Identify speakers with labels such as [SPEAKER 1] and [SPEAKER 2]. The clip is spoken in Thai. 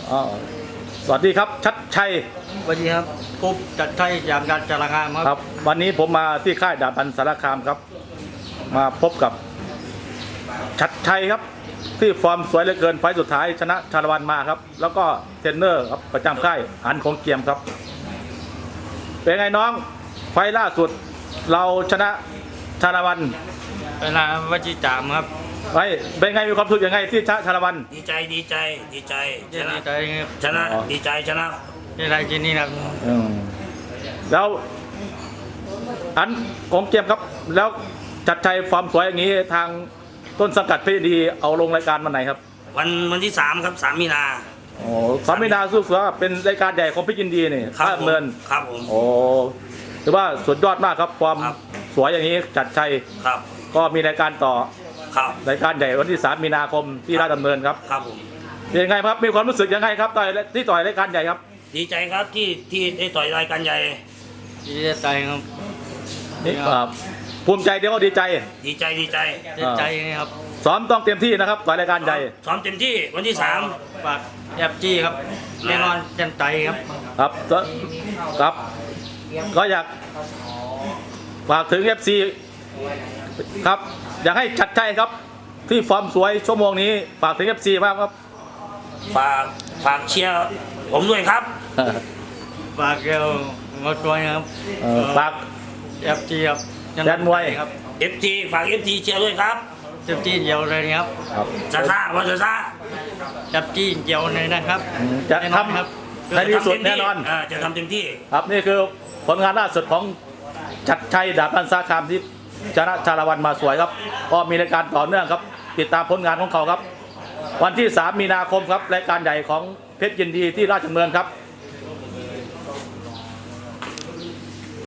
[SPEAKER 1] อ๋อสวัสดีครับชัดชัย
[SPEAKER 2] สวัสดีครับผมจัดชัยจากการจารางามค
[SPEAKER 1] ครับ รับวันนี้ผมมาที่ค่ายดาบพันสารคามครับ มาพบกับชัดชัยครับ ที่ฟอร์มสวยเหลือเกินไฟล์สุดท้ายชนะชาละวันมาครับ แล้วก็เทรนเนอร์ครับประจำค่ายอันของเกียมครับ เป็นไงน้องไฟล์ล่าสุด เราชนะชาละวัน
[SPEAKER 2] เป็นนามวจิจามครับ
[SPEAKER 1] ไว้เป็นไงมีความรู้สึกยังไงที่ชนะชาละวัน
[SPEAKER 3] ดีใจช
[SPEAKER 2] ดี
[SPEAKER 3] นะ
[SPEAKER 2] ใจครับ
[SPEAKER 3] ชนะดีใจชนะ
[SPEAKER 2] ที่ได้กินนี่ครับ
[SPEAKER 1] อืมแล้วอันของเกียมครับ แล้วจัดชัยฟอร์มสวยอย่างนี้ทางต้นสังกัดเพชรดีเอาลงรายการวันไหนครับ
[SPEAKER 3] วันที่3ครับ3 มีนา
[SPEAKER 1] โอ้สามินาสู้เสือเป็นรายการใหญ่ของเพชรยินดีนี่
[SPEAKER 3] ครับ
[SPEAKER 1] ค่าเงิน
[SPEAKER 3] ครับผม
[SPEAKER 1] โอ้ถือว่าสุดยอดมากครับความ
[SPEAKER 3] ครับ
[SPEAKER 1] สวยอย่างนี้จัดชัย
[SPEAKER 3] ครับ
[SPEAKER 1] ก็มีรายการต่อ
[SPEAKER 3] ครับ
[SPEAKER 1] รายการใหญ่วันที่3 มีนาคมที่ราชดำเนินครับ
[SPEAKER 3] ครับผม
[SPEAKER 1] เป็นยังไงครับมีความรู้สึกยังไงครับต่อยที่ต่อยรายการใหญ่ครับ
[SPEAKER 3] ดีใจครับที่ได้ต่อยรายการใหญ่
[SPEAKER 2] ดีใจครับ
[SPEAKER 1] นี่ภูมิใจเดี๋ยวก็ดีใจ
[SPEAKER 3] ดีใจ
[SPEAKER 2] ดีใจครับ
[SPEAKER 1] ซ้อมต้องเต็มที่นะครับต่อยรายการใหญ่
[SPEAKER 3] ซ้อมเต็มที่วันที่
[SPEAKER 2] ฝากแอบจี้ครับแน่นอนเต็มใจครับ
[SPEAKER 1] ครับครับก็อยากฝากถึง FC ครับอยากให้ชัดชัยครับ ที่ฟอร์มสวยชั่วโมงนี้ฝากถึง FC บ้างครับ
[SPEAKER 3] 3ฝากเชียร์ผมด้วยครับ
[SPEAKER 2] ฝากเกลมาตัวครับ
[SPEAKER 1] ฝาก
[SPEAKER 2] แอบจี้ครับ
[SPEAKER 1] แดนมวย
[SPEAKER 2] ครับ
[SPEAKER 3] FT ฝาก FT เชียร์ด้วยครับ
[SPEAKER 2] เต็มที่เดียวเลยครับ
[SPEAKER 1] ครับ
[SPEAKER 3] ซ่าว่าซ่า
[SPEAKER 2] แอบจี้เดียวเลยนะครับ
[SPEAKER 1] จะ
[SPEAKER 2] แน่นอน
[SPEAKER 1] ทำ
[SPEAKER 2] ครับ
[SPEAKER 1] ในที่สุดแน่นอน
[SPEAKER 3] จะทำเต็มที่
[SPEAKER 1] ครับนี่คือผลงานล่าสุดของชัดชัยดาบพันสารคามที่ชนะชาละวันมาสวยครับ ก็มีรายการต่อเนื่องครับ ติดตามผลงานของเขาครับ วันที่ 3 มีนาคมครับรายการใหญ่ของเพชรยินดีที่ราชดำเนินครับ